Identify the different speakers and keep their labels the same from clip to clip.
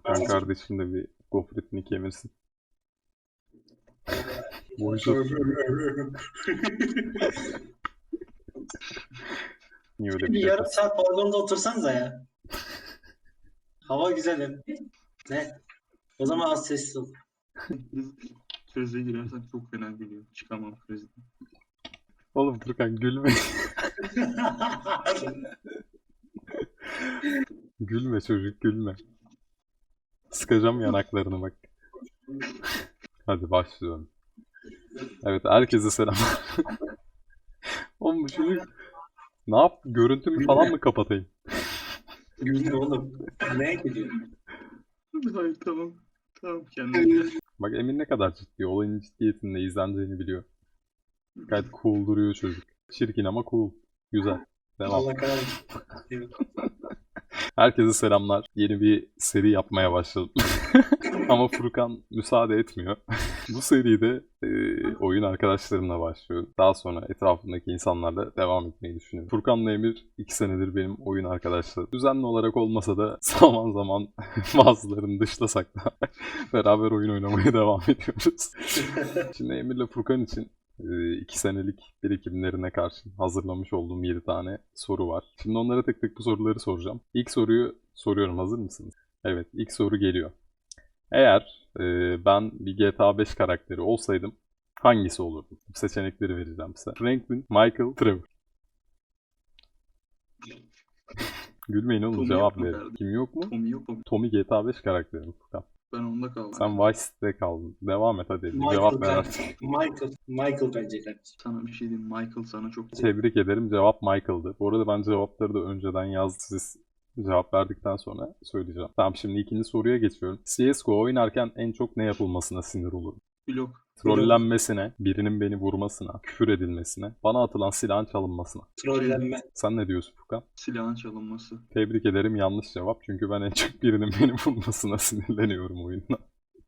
Speaker 1: Furkan kardeşim de bir gofretini kemirsin. Bonjour. Niye öyle bir
Speaker 2: Bir
Speaker 1: şey
Speaker 2: yarım
Speaker 1: yapıyorsun?
Speaker 2: saat balkonda otursanıza ya. Hava güzel hem. Ne? O zaman az sessiz ol.
Speaker 3: Krize girersem çok fena gülüyor. Çıkamam krizden.
Speaker 1: Oğlum Furkan gülme. Gülme çocuk gülme. Sıkacağım yanaklarını bak. Hadi başlıyorum. Evet herkese selam. Oğlum bu çocuk ne yap? Görüntümü falan mı kapatayım?
Speaker 2: Gülme oğlum. Neye gülüyorsun?
Speaker 3: Hayır tamam. Tamam kendine gel.
Speaker 1: Bak Emin ne kadar ciddi. Olayın ciddiyetinde izleneceğini biliyor. Gayet cool duruyor çocuk. Çirkin ama cool. Güzel. Devam.
Speaker 2: Allah kahretsin. Evet.
Speaker 1: Herkese selamlar. Yeni bir seri yapmaya başladım. Ama Furkan müsaade etmiyor. Bu seride oyun arkadaşlarımla başlıyorum. Daha sonra etrafındaki insanlarla devam etmeyi düşünüyorum. Furkan'la Emir 2 senedir benim oyun arkadaşlarım. Düzenli olarak olmasa da zaman zaman bazılarını dışlasak da beraber oyun oynamaya devam ediyoruz. Şimdi Emir'le Furkan için 2 senelik birikimlerine karşın hazırlamış olduğum 7 tane soru var. Şimdi onlara tek tek bu soruları soracağım. İlk soruyu soruyorum. Hazır mısınız? Evet, ilk soru geliyor. Eğer ben bir GTA 5 karakteri olsaydım hangisi olurdum? Seçenekleri vereceğim size. Franklin, Michael, Trevor. Gülmeyin oğlum,
Speaker 3: Tommy
Speaker 1: cevap
Speaker 3: yok mu
Speaker 1: verin.
Speaker 3: kardeşim?
Speaker 1: Kim yok mu?
Speaker 3: Tommy yok mu?
Speaker 1: Tommy GTA 5 karakteri mi Furkan?
Speaker 3: Ben onda kaldım.
Speaker 1: Sen Vice City'de kaldın. Devam et hadi. Bir
Speaker 2: Michael,
Speaker 1: cevap ver
Speaker 2: ben-
Speaker 1: artık.
Speaker 2: Michael bence kardeşim.
Speaker 3: Sana bir şey diyeyim. Michael sana çok...
Speaker 1: Tebrik ederim. Cevap Michael'dı. Bu arada ben cevapları da önceden yazdım. Siz cevap verdikten sonra söyleyeceğim. Tamam, şimdi ikinci soruya geçiyorum. CSGO oynarken en çok ne yapılmasına sinir olurum?
Speaker 3: Blok.
Speaker 1: Trollenmesine, birinin beni vurmasına, küfür edilmesine, bana atılan silahın çalınmasına.
Speaker 2: Trollenme.
Speaker 1: Sen ne diyorsun Furkan?
Speaker 3: Silahın çalınması.
Speaker 1: Tebrik ederim, yanlış cevap. Çünkü ben en çok birinin beni vurmasına sinirleniyorum oyunda.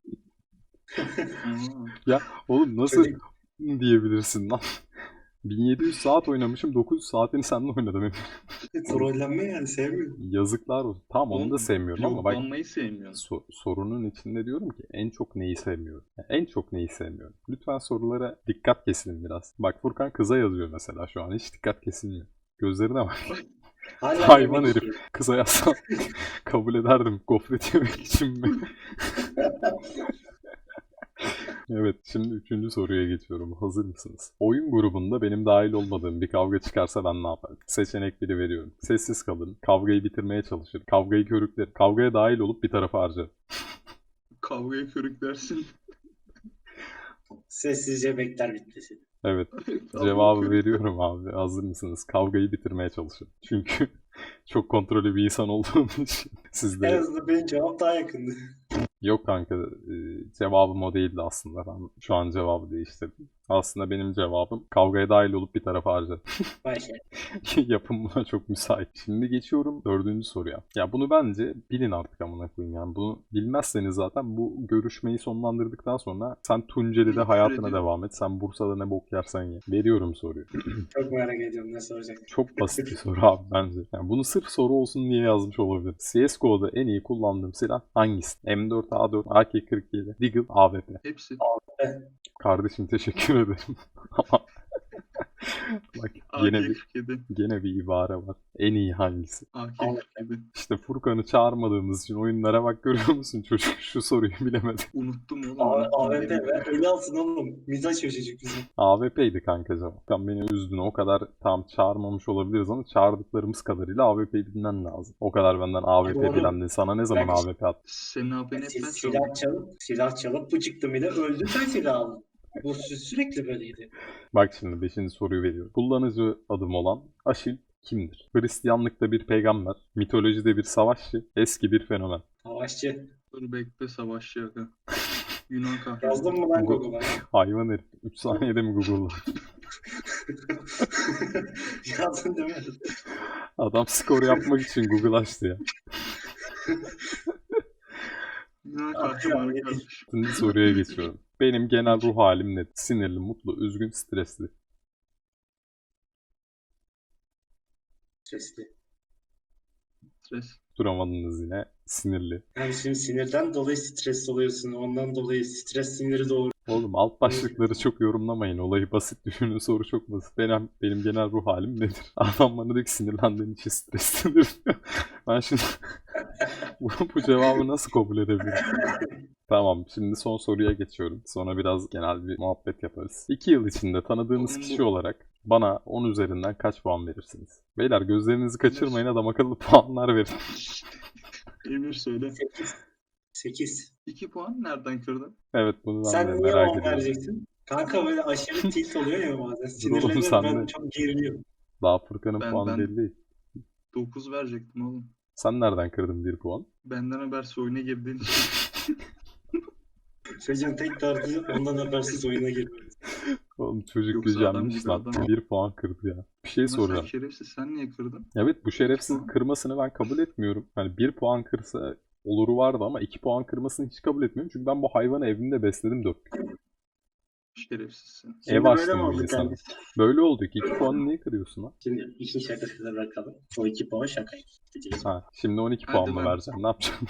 Speaker 3: Aa,
Speaker 1: Ya oğlum nasıl
Speaker 2: Çocuk-
Speaker 1: diyebilirsin lan? 1700 saat oynamışım, 900 saatini seninle oynadım.
Speaker 2: Trollenme yani sevmiyorum.
Speaker 1: Yazıklar olsun. Tamam onu da sevmiyorum ama bak
Speaker 3: bloklanmayı sevmiyorsun.
Speaker 1: sorunun içinde diyorum ki en çok neyi sevmiyorum? Yani en çok neyi sevmiyorum? Lütfen sorulara dikkat kesin biraz. Bak Furkan kıza yazıyor mesela şu an. Hiç dikkat kesilmiyor. Gözlerine bak.
Speaker 2: Hala
Speaker 1: Hayvan
Speaker 2: yemek
Speaker 1: herif.
Speaker 2: yiyor.
Speaker 1: Kıza yazsam kabul ederdim. Gofret yemek için mi? Evet, şimdi üçüncü soruya geçiyorum. Hazır mısınız? Oyun grubunda benim dahil olmadığım bir kavga çıkarsa ben ne yaparım? Seçenekleri veriyorum. Sessiz kalırım. Kavgayı bitirmeye çalışırım. Kavgayı körüklerim. Kavgaya dahil olup bir tarafa harcarım.
Speaker 3: Kavgaya körüklersin.
Speaker 2: Sessizce bekler bitmesi.
Speaker 1: Evet,
Speaker 3: Kavgayı
Speaker 1: cevabı
Speaker 3: körükler.
Speaker 1: veriyorum abi. Hazır mısınız? Kavgayı bitirmeye çalışırım. Çünkü çok kontrollü bir insan olduğum için
Speaker 2: En
Speaker 1: sizde
Speaker 2: azından benim cevap daha yakındı.
Speaker 1: yok kanka, cevabım o değildi aslında. Ben şu an cevabı değiştirdim. Aslında benim cevabım kavgaya dahil olup bir tarafa harcarım.
Speaker 2: Başka.
Speaker 1: Yapım buna çok müsait. Şimdi geçiyorum dördüncü soruya. Ya bunu bence bilin artık amına koyayım yani. Bunu bilmezseniz zaten bu görüşmeyi sonlandırdıktan sonra sen Tunceli'de
Speaker 3: Küfür
Speaker 1: hayatına
Speaker 3: ediyor.
Speaker 1: devam et. Sen Bursa'da ne bok yersen ye. Veriyorum soruyu.
Speaker 2: Çok merak ediyorum ne soracak.
Speaker 1: Çok basit bir soru abi bence. Yani bunu sırf soru olsun diye yazmış olabilir. CSGO'da en iyi kullandığım silah hangisi? M4, A4, AK-47, Deagle, AWP.
Speaker 3: Hepsi.
Speaker 1: Kardeşim teşekkür ederim. Ama bak
Speaker 3: AK-47.
Speaker 1: gene bir ibare var. En iyi hangisi?
Speaker 3: AK-47.
Speaker 1: İşte Furkan'ı çağırmadığımız için oyunlara bak, görüyor musun çocuk şu soruyu bilemedi.
Speaker 3: Unuttum oğlum.
Speaker 2: AWP ver. Eli alsın oğlum. Mizah çocuk bizim.
Speaker 1: AWP'ydi kanka cevap. Furkan beni üzdün, o kadar tam çağırmamış olabiliriz ama çağırdıklarımız kadarıyla AWP'yi bilmen lazım. O kadar benden AWP
Speaker 2: Doğru.
Speaker 1: bilendin. Sana ne zaman
Speaker 2: Bak işte.
Speaker 1: AWP attı?
Speaker 3: Senin AP'ni hep ben çaldım.
Speaker 2: Silah çalıp bu çıktı bile öldü sen silah aldın. Bu sürekli böyleydi.
Speaker 1: Bak şimdi 5. soruyu veriyorum. Kullanıcı adım olan Aşil kimdir? Hristiyanlıkta bir peygamber, mitolojide bir savaşçı, eski bir fenomen.
Speaker 2: Savaşçı.
Speaker 3: Dur bekle savaşçı aga. Yunan kahramanı.
Speaker 2: Yazdın mı lan
Speaker 1: Google.
Speaker 2: Google'a?
Speaker 1: Hayvan herif. 3 saniyede mi Google'da?
Speaker 2: Yazdın değil mi?
Speaker 1: Adam skor yapmak için Google açtı ya.
Speaker 3: Yunan kahramanı kardeşim.
Speaker 1: Şimdi soruya geçiyorum. Benim genel ruh halim nedir? Sinirli, mutlu, üzgün, stresli.
Speaker 2: Sesli.
Speaker 3: Stres.
Speaker 1: Duramadınız yine. Sinirli.
Speaker 2: Yani şimdi sinirden dolayı stres oluyorsun. Ondan dolayı stres siniri doğuruyor.
Speaker 1: Oğlum alt başlıkları çok yorumlamayın. Olayı basit düşünün. Soru çok basit. Benim genel ruh halim nedir? Adam bana diyor ki sinirlendiğin için streslidir. Ben şimdi bu cevabı nasıl kabul edebilirim? Tamam, şimdi son soruya geçiyorum. Sonra biraz genel bir muhabbet yaparız. 2 yıl içinde tanıdığınız kişi olarak bana 10 üzerinden kaç puan verirsiniz? Beyler gözlerinizi kaçırmayın, adam akıllı puanlar verin.
Speaker 3: Emir söyle.
Speaker 2: 8.
Speaker 3: 2 puan nereden kırdın?
Speaker 1: Evet, bunu ben de
Speaker 2: Sen niye
Speaker 1: merak
Speaker 2: 10
Speaker 1: ediyorum.
Speaker 2: vereceksin? Kanka böyle aşırı tilt oluyor ya bazen.
Speaker 1: Dur oğlum,
Speaker 2: Sinirleniyorum,
Speaker 1: sen
Speaker 2: ben
Speaker 1: de.
Speaker 2: çok geriliyorum.
Speaker 1: Daha Furkan'ın
Speaker 3: Ben-
Speaker 1: puanı
Speaker 3: ben-
Speaker 1: belli değil.
Speaker 3: 9 verecektim oğlum.
Speaker 1: Sen nereden kırdın 1 puan?
Speaker 3: Benden habersiz oyuna girdiğin için.
Speaker 2: Çocuğun tek derdi ondan habersiz oyuna girmemiz.
Speaker 1: Oğlum çocuk
Speaker 3: Yoksa adam
Speaker 1: gücenmiş
Speaker 3: gibi
Speaker 1: lan.
Speaker 3: adam.
Speaker 1: 1 puan kırdı ya. Bir şey
Speaker 3: Ama sen
Speaker 1: soracağım.
Speaker 3: şerefsiz, sen niye kırdın?
Speaker 1: Evet, bu şerefsiz
Speaker 3: puan.
Speaker 1: kırmasını ben kabul etmiyorum. Hani 1 puan kırsa oluru vardı ama 2 puan kırmasını hiç kabul etmiyorum. Çünkü ben bu hayvanı evimde besledim 4 gün.
Speaker 3: Şerefsizsin.
Speaker 2: Şimdi
Speaker 1: Ev
Speaker 2: böyle
Speaker 1: açtım
Speaker 2: mi
Speaker 1: bir
Speaker 2: olduk
Speaker 1: de sana.
Speaker 2: yani?
Speaker 1: Böyle oldu ki 2 puanı niye kırıyorsun lan?
Speaker 2: Şimdi işin şakasını bırakalım. O 2 puan şakaydı. Diyeceğiz.
Speaker 1: Ha, şimdi 12
Speaker 3: Hadi
Speaker 1: puan mı
Speaker 3: lan.
Speaker 1: vereceksin? Ne yapacaksın?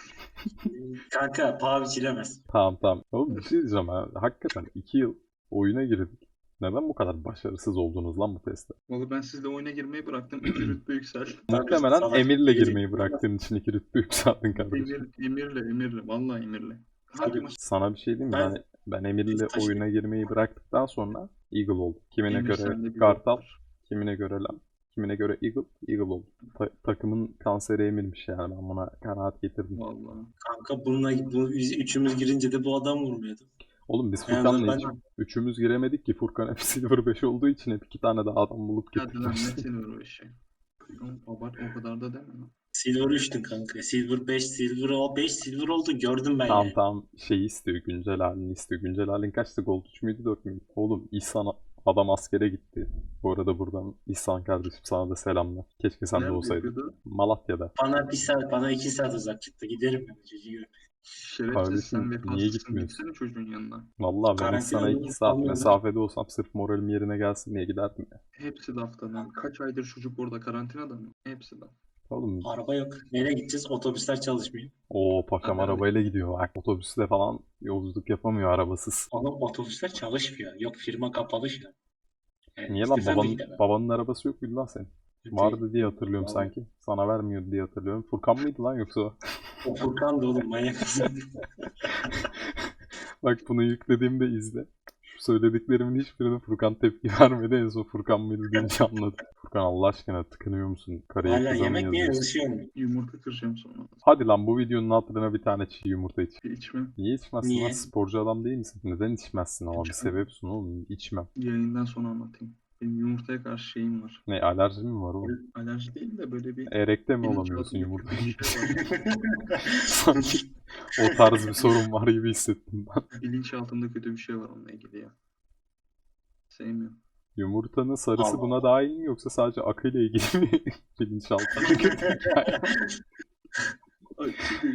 Speaker 2: Kanka paha biçilemez.
Speaker 1: Tamam. Oğlum bir şey diyeceğim ha. Hakikaten 2 yıl oyuna girdik. Neden bu kadar başarısız oldunuz lan bu testte?
Speaker 3: Vallahi ben sizle oyuna girmeyi bıraktım. 2 rütbe yükseldim.
Speaker 1: Muhtemelen
Speaker 2: salak
Speaker 1: Emir'le
Speaker 2: gelecek.
Speaker 1: girmeyi bıraktığın için 2 rütbe yükseldin kardeşim.
Speaker 3: Emirle. Vallahi Emirle. Hangi
Speaker 2: Tabii.
Speaker 3: maç?
Speaker 1: Sana bir şey diyeyim mi? Ben Emir'le
Speaker 2: Taşı-
Speaker 1: oyuna girmeyi bıraktıktan sonra Eagle oldum. Kimine
Speaker 3: Emir
Speaker 1: göre
Speaker 3: sende bir
Speaker 1: Kartal,
Speaker 3: var.
Speaker 1: kimine göre Lam, kimine göre Eagle oldu. Takımın kanseri Emir'miş yani, ben buna kanaat getirdim.
Speaker 3: Vallahi.
Speaker 2: Kanka biz üçümüz girince de bu adam vurmuyordu.
Speaker 1: Oğlum biz
Speaker 2: Yani
Speaker 1: Furkan'la
Speaker 2: ben-
Speaker 1: hiç üçümüz giremedik ki. Furkan hep Silver 5 olduğu için hep 2 tane daha adam bulup
Speaker 3: Hadi lan ne
Speaker 1: getirmişti.
Speaker 3: sinir o işi. Oğlum, abart o kadar da deme lan.
Speaker 2: Silver 3'tün kanka. Silver 5, Silver o 5 Silver oldu gördüm ben
Speaker 1: Tamam
Speaker 2: yani.
Speaker 1: tamam, şeyi istiyor, güncel halini istiyor. Güncel halin kaçtı? Gold 3 müydü 4 müydü? Oğlum İhsan adam askere gitti. Bu arada buradan İhsan kardeşim sana da selamlar. Keşke sen de
Speaker 3: Nerede
Speaker 1: olsaydın.
Speaker 3: yapıyordu?
Speaker 1: Malatya'da.
Speaker 2: Bana 2 saat uzak çıktı. Giderim ben çocuğu görmeye.
Speaker 3: Şerefsiz,
Speaker 1: Kardeşim,
Speaker 3: sen
Speaker 1: niye
Speaker 3: vefasızsın.
Speaker 1: gitmiyorsun?
Speaker 3: Gitsene çocuğun yanına.
Speaker 1: Vallahi ben
Speaker 2: Karantina
Speaker 1: sana
Speaker 2: oldu,
Speaker 1: 2 saat
Speaker 2: olmuyor.
Speaker 1: mesafede olsam sırf moralim yerine gelsin diye giderdim ya.
Speaker 3: Hepsi lafta lan. Kaç aydır çocuk orada karantinada mı? Hepsi laf.
Speaker 1: Oğlum
Speaker 2: Araba yok. Nereye gideceğiz? Otobüsler çalışmıyor.
Speaker 1: o paşam
Speaker 3: Abi.
Speaker 1: arabayla gidiyor. Bak, otobüsle falan yolculuk yapamıyor arabasız.
Speaker 2: Ama otobüsler çalışmıyor. Yok, firma kapalı şu an. Yani
Speaker 1: Niye lan,
Speaker 2: istesem de gidemem.
Speaker 1: babanın arabası yok muydu lan senin? Vardı diye hatırlıyorum
Speaker 2: Vallahi.
Speaker 1: sanki. Sana vermiyordu diye hatırlıyorum. Furkan mıydı lan yoksa o?
Speaker 2: O Furkan da oğlum manyak mısın?
Speaker 1: Bak bunu yüklediğimde izle. Şu söylediklerimin hiçbirine Furkan tepki vermedi. En son Furkan mıydı deyince anladım. Furkan Allah aşkına tıkınıyor musun? Karıya
Speaker 2: Hala
Speaker 1: kıza mı
Speaker 2: yemek niye
Speaker 1: yazıyorsun?
Speaker 2: yazışıyor mu?
Speaker 3: Yumurta kıracağım sonra.
Speaker 1: Hadi lan, bu videonun hatırına bir tane çiğ yumurta iç.
Speaker 3: İçmem.
Speaker 1: Niye içmezsin
Speaker 2: Niye?
Speaker 1: lan? Sporcu adam değil misin? Neden içmezsin ama? Bir
Speaker 3: İçmem.
Speaker 1: sebep sun oğlum. İçmem.
Speaker 3: Yayından sonra anlatayım. Benim yumurtaya karşı şeyim var.
Speaker 1: Ne, alerji mi var oğlum?
Speaker 3: Alerji değil de böyle bir
Speaker 1: Erekte mi
Speaker 3: bilinçaltında
Speaker 1: olamıyorsun
Speaker 3: kötü
Speaker 1: yumurta?
Speaker 3: bir şey var.
Speaker 1: Sanki o tarz bir sorun var gibi hissettim ben.
Speaker 3: Bilinçaltımda kötü bir şey var onunla ilgili ya. Sevmiyorum.
Speaker 1: Yumurtanın sarısı
Speaker 2: Allah
Speaker 1: buna
Speaker 2: Allah.
Speaker 1: dahil mi, yoksa sadece akıyla ilgili mi? Bilinçaltı.
Speaker 3: Ay,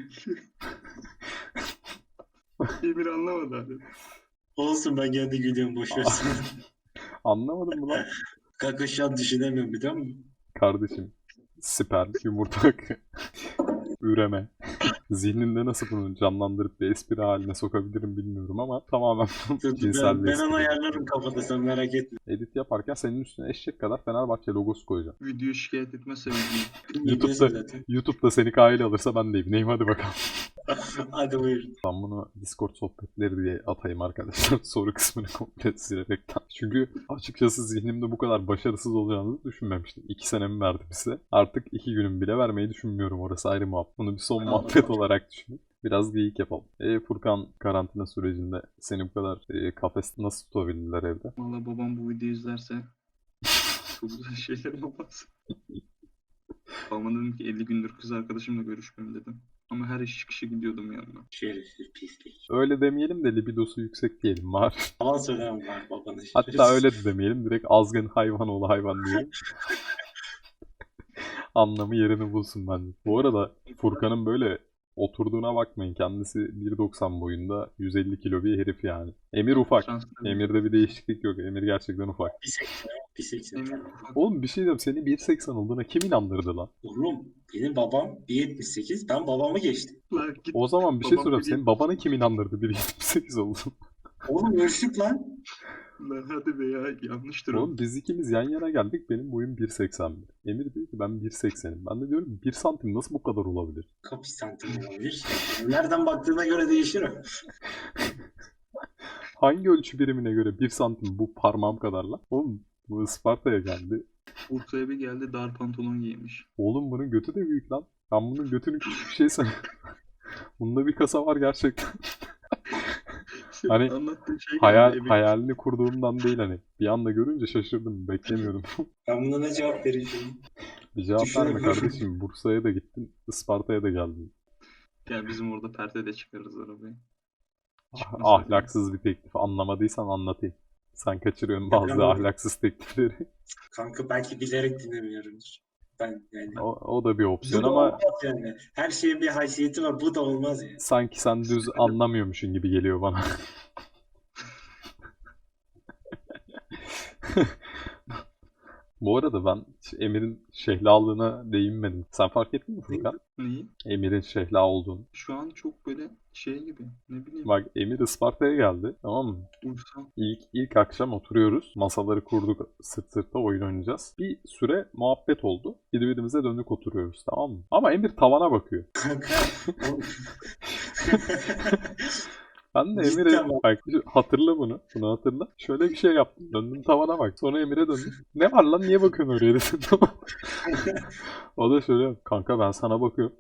Speaker 3: Emir anlamadı abi.
Speaker 2: Olsun, ben kendi gülüyorum, boş versin.
Speaker 1: Anlamadın mı lan?
Speaker 2: Kanka şu an düşünemiyorum, biliyor musun?
Speaker 1: Kardeşim, sperm, yumurta akı, üreme. Zihninde nasıl bunu canlandırıp bir espri haline sokabilirim bilmiyorum ama tamamen
Speaker 2: Dur,
Speaker 1: cinsel bir
Speaker 2: ben
Speaker 1: espri.
Speaker 2: onu ayarlarım kafada, sen merak etme.
Speaker 1: Edit yaparken senin üstüne eşek kadar Fenerbahçe logosu koyacağım.
Speaker 3: Video şikayet etmezse bilmiyorum.
Speaker 2: Biliyorsun zaten.
Speaker 1: YouTube'da seni kayıt alırsa ben de evliyim, hadi bakalım.
Speaker 2: Hadi buyurun.
Speaker 1: Ben bunu Discord sohbetleri diye atayım arkadaşlar. Soru kısmını komple silerekten. Çünkü açıkçası zihnimde bu kadar başarısız olacağınızı düşünmemiştim. 2 senemi verdim size. Artık 2 günüm bile vermeyi düşünmüyorum. Orası ayrı muhabbet. Bunu bir son
Speaker 2: Allah
Speaker 1: muhabbet
Speaker 2: Allah.
Speaker 1: olarak düşünün. Biraz geyik yapalım. Furkan, karantina sürecinde seni bu kadar kafeste nasıl tutabildiler evde?
Speaker 3: Valla babam bu videoyu izlerse çok güzel şeyler olmaz. Babama dedim ki 50 gündür kız arkadaşımla görüşmüyorum dedim. Ama her iş çıkışı gidiyordum yanına.
Speaker 2: Şerefsiz pislik.
Speaker 1: Öyle demeyelim de libidosu yüksek diyelim var.
Speaker 2: Yalan söylemem var babana.
Speaker 1: Hatta öyle de demeyelim. Direkt azgın hayvan oğlu hayvan diyelim. Anlamı yerini bulsun bence. Bu arada Furkan'ın böyle Oturduğuna bakmayın. Kendisi 1.90 boyunda 150 kilo bir herif yani. Emir ufak.
Speaker 3: Transfer.
Speaker 1: Emir'de bir değişiklik yok. Emir gerçekten ufak.
Speaker 2: 1.80.
Speaker 3: Emir ufak.
Speaker 1: Oğlum bir şey diyeyim. Seni 1.80 olduğuna kim inandırdı lan?
Speaker 2: Oğlum benim babam 1.78. Ben babamı geçtim.
Speaker 3: Lan git.
Speaker 1: O zaman bir şey
Speaker 3: Babam
Speaker 1: sorayım.
Speaker 3: biliyor.
Speaker 1: Senin babanı kim inandırdı 1.78 olduğunu?
Speaker 2: Oğlum ölçtük lan.
Speaker 3: Lan hadi be ya, yanlıştır o.
Speaker 1: Oğlum biz ikimiz yan yana geldik. Benim boyum 1.81. Emir diyor ki ben 1.80'im. Ben de diyorum 1 santim nasıl bu kadar olabilir?
Speaker 2: Kaç santim olabilir? Nereden baktığına göre değişir o.
Speaker 1: Hangi ölçü birimine göre 1 santim bu parmağım kadar lan? Oğlum bu Isparta'ya geldi.
Speaker 3: Bursa'ya bir geldi, dar pantolon giymiş.
Speaker 1: Oğlum bunun götü de büyük lan. Ben bunun götünü küçük bir şey sanıyorum. Bunda bir kasa var gerçekten. Hani
Speaker 3: Anlattığın şey geldi, emin-
Speaker 1: hayalini kurduğumdan değil hani. Bir anda görünce şaşırdım. Beklemiyordum.
Speaker 2: Ben buna ne cevap vereceğim?
Speaker 1: Bir cevap verme
Speaker 2: Düşünemiyorum.
Speaker 1: kardeşim. Bursa'ya da gittin. Isparta'ya da geldin.
Speaker 3: Gel bizim orada perde de çıkarırız arabayı. Çıkmasın.
Speaker 1: Ahlaksız bir teklif. Anlamadıysan anlatayım. Sen kaçırıyorsun bazı
Speaker 2: Anlamadım.
Speaker 1: ahlaksız teklifleri.
Speaker 2: Kanka belki bilerek dinlemiyorumdur. Ben yani.
Speaker 1: O da bir opsiyon
Speaker 2: Bu da
Speaker 1: ama
Speaker 2: olmaz yani. Her şeyin bir haysiyeti var. Bu da olmaz yani.
Speaker 1: sanki sen düz anlamıyormuşsun gibi geliyor bana. Bu arada ben Emir'in şehlalığına değinmedim. Sen fark ettin mi Furkan?
Speaker 3: Neyi?
Speaker 1: Emir'in şehla olduğunu.
Speaker 3: Şu an çok böyle şey gibi, ne bileyim,
Speaker 1: Bak Emir Isparta'ya geldi, tamam mı?
Speaker 3: uysal.
Speaker 1: İlk akşam oturuyoruz. Masaları kurduk, sırt sırta oyun oynayacağız. Bir süre muhabbet oldu. Birbirimize dönük oturuyoruz, tamam mı? Ama Emir tavana bakıyor.
Speaker 2: Kanka. oğlum.
Speaker 1: Ben de
Speaker 2: Cidden
Speaker 1: Emir'e
Speaker 2: bak.
Speaker 1: bak hatırla bunu. Bunu hatırla. Şöyle bir şey yaptım. Döndüm tavana bak. Sonra Emir'e döndüm. Ne var lan niye bakıyorsun oraya dedim. Tamam. O da şöyle yaptı. Kanka ben sana bakıyorum.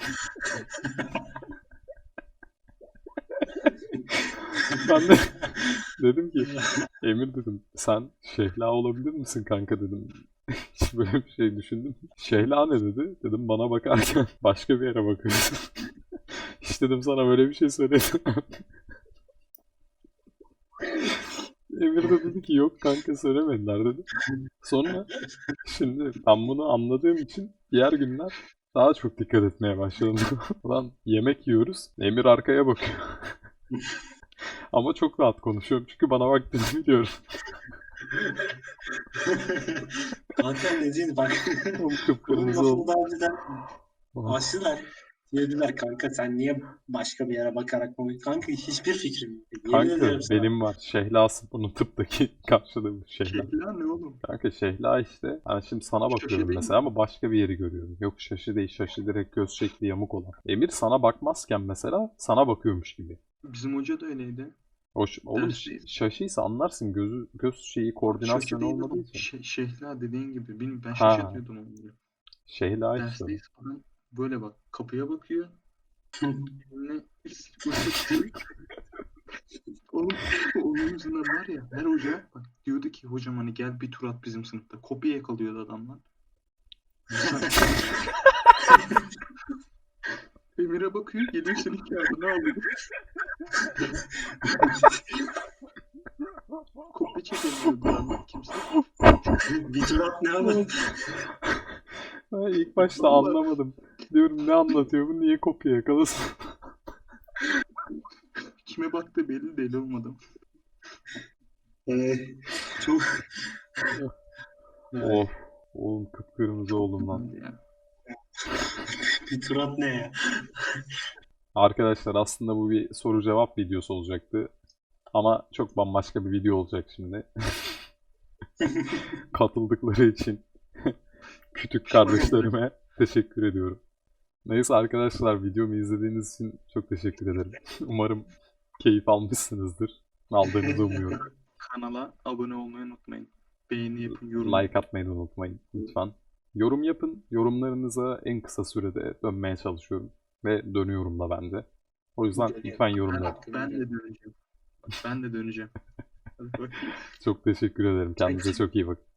Speaker 1: Ben de dedim ki Emir dedim sen Şehla olabilir misin kanka dedim. Hiç böyle bir şey düşündüm. mü? Şehla ne dedi? Dedim bana bakarken başka bir yere bakıyorsun. Hiç dedim sana böyle bir şey söyledim. Emir de dedi ki yok kanka söylemediler dedi. Sonra şimdi ben bunu anladığım için diğer günler daha çok dikkat etmeye başladım. Ulan yemek yiyoruz. Emir arkaya bakıyor. Ama çok rahat konuşuyorum çünkü bana baktığını biliyorum.
Speaker 2: Kanka ne diyeyim bak.
Speaker 1: Oğlum
Speaker 2: Bunun
Speaker 1: kıpkırmızı
Speaker 2: lafını
Speaker 1: oldu.
Speaker 2: daha önceden açtılar. Dediler kanka sen niye başka bir yere bakarak mı? Kanka hiçbir fikrim yok. Yemin
Speaker 1: Kanka
Speaker 2: ederim sana.
Speaker 1: benim var. Şehlası bunun tıptaki karşılığı Şehla.
Speaker 3: Şehla ne oğlum?
Speaker 1: Kanka Şehla işte. Ben şimdi sana
Speaker 3: Şaşı
Speaker 1: bakıyorum
Speaker 3: değil
Speaker 1: mesela
Speaker 3: mi?
Speaker 1: ama başka bir yeri görüyorum. Yok şaşı değil. Şaşı direkt göz şekli yamuk olan. Emir sana bakmazken mesela sana bakıyormuş gibi.
Speaker 3: Bizim hoca da öyleydi.
Speaker 1: Oğlum
Speaker 3: Dersteyiz.
Speaker 1: şaşıysa anlarsın göz şeyi
Speaker 3: Şaşı
Speaker 1: koordinasyonu
Speaker 3: değil
Speaker 1: olmadığı
Speaker 3: ama
Speaker 1: için.
Speaker 3: Şehla dediğin gibi. Bilmiyorum, ben
Speaker 1: Ha.
Speaker 3: şaşırtıyordum onları.
Speaker 1: Şehla işte.
Speaker 3: Dersteyiz falan. Böyle bak, kapıya bakıyor. Eline Oğlum onun yüzünden var ya, her hoca bak diyordu ki hocam hani gel bir tur at bizim sınıfta. Kopya yakalıyordu adamlar. Emir'e bakıyor, geliyor senin kağıdını alıyor. Kopya çekemiyordu adamlar kimse.
Speaker 2: Bir tur at ne ama?
Speaker 1: Ha, İlk başta
Speaker 3: Vallahi.
Speaker 1: anlamadım. Diyorum ne anlatıyor bu niye kopya yakalasın?
Speaker 3: Kime baktı belli değil olmadı.
Speaker 2: Çok
Speaker 1: Of. Oğlum kıpkırmızı oldum lan.
Speaker 3: Ya.
Speaker 2: bir tur at ne ya?
Speaker 1: Arkadaşlar aslında bu bir soru cevap videosu olacaktı. Ama çok bambaşka bir video olacak şimdi. Katıldıkları için küçük kardeşlerime teşekkür ediyorum. Neyse arkadaşlar videomu izlediğiniz için çok teşekkür ederim. Umarım keyif almışsınızdır. Aldığınızı umuyorum.
Speaker 3: Kanala abone olmayı unutmayın. Beğeni yapın, yorum
Speaker 1: Like atmayı da unutmayın lütfen. Yorum yapın. Yorumlarınıza en kısa sürede dönmeye çalışıyorum. Ve dönüyorum da bence. O yüzden lütfen yorum yapın.
Speaker 3: Ben de döneceğim. Ben de döneceğim. Hadi bakayım.
Speaker 1: Çok teşekkür ederim. Kendinize çok iyi bakın.